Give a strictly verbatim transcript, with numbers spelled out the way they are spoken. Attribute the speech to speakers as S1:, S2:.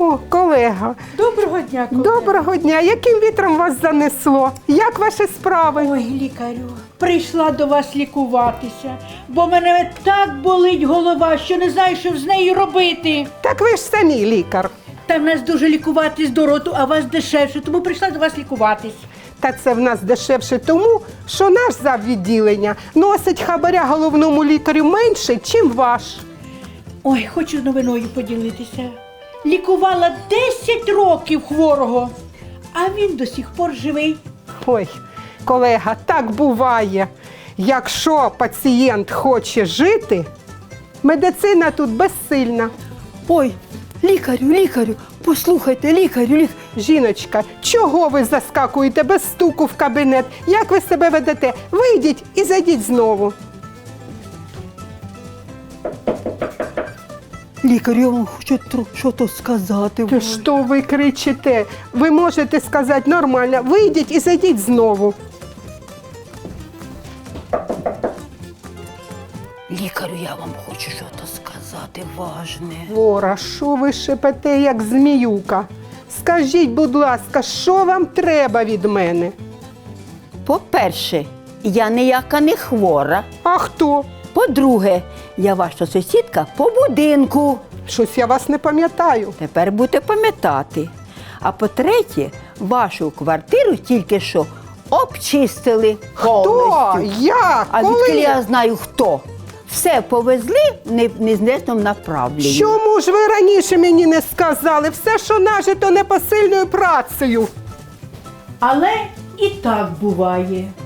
S1: О, колега.
S2: Доброго дня, колега.
S1: Доброго дня. Яким вітром вас занесло? Як ваші справи?
S2: Ой, лікарю, прийшла до вас лікуватися, бо мене так болить голова, що не знаю, що з нею робити.
S1: Так ви ж самі лікар.
S2: Та в нас дуже лікуватись до роту, а вас дешевше, тому прийшла до вас лікуватись.
S1: Та це в нас дешевше тому, що наш заввідділення носить хабаря головному лікарю менше, чим ваш.
S2: Ой, хочу новиною поділитися. Лікувала десять років хворого, а він до сих пор живий.
S1: Ой, колега, так буває. Якщо пацієнт хоче жити, медицина тут безсильна.
S3: Ой, лікарю, лікарю, послухайте, лікарю, лікарю.
S1: Жіночка, чого ви заскакуєте без стуку в кабінет? Як ви себе ведете? Вийдіть і зайдіть знову.
S3: Лікарю, я вам хочу щось сказати.
S1: Що ви кричите? Ви можете сказати нормально. Вийдіть і зайдіть знову.
S3: Лікарю, я вам хочу щось сказати важне.
S1: Вора, що ви шепете, як зміюка? Скажіть, будь ласка, що вам треба від мене?
S3: По-перше, я ніяка не хвора.
S1: А хто?
S3: По-друге, я ваша сусідка по будинку.
S1: Щось я вас не пам'ятаю.
S3: Тепер будете пам'ятати. А по-третє, вашу квартиру тільки що обчистили
S1: Хто?
S3: повністю.
S1: Як?
S3: А
S1: Коли?
S3: відколи я знаю хто. Все повезли в не- в незнесному направленні.
S1: Чому ж ви раніше мені не сказали? Все, що нажито непосильною працею.
S2: Але і так буває.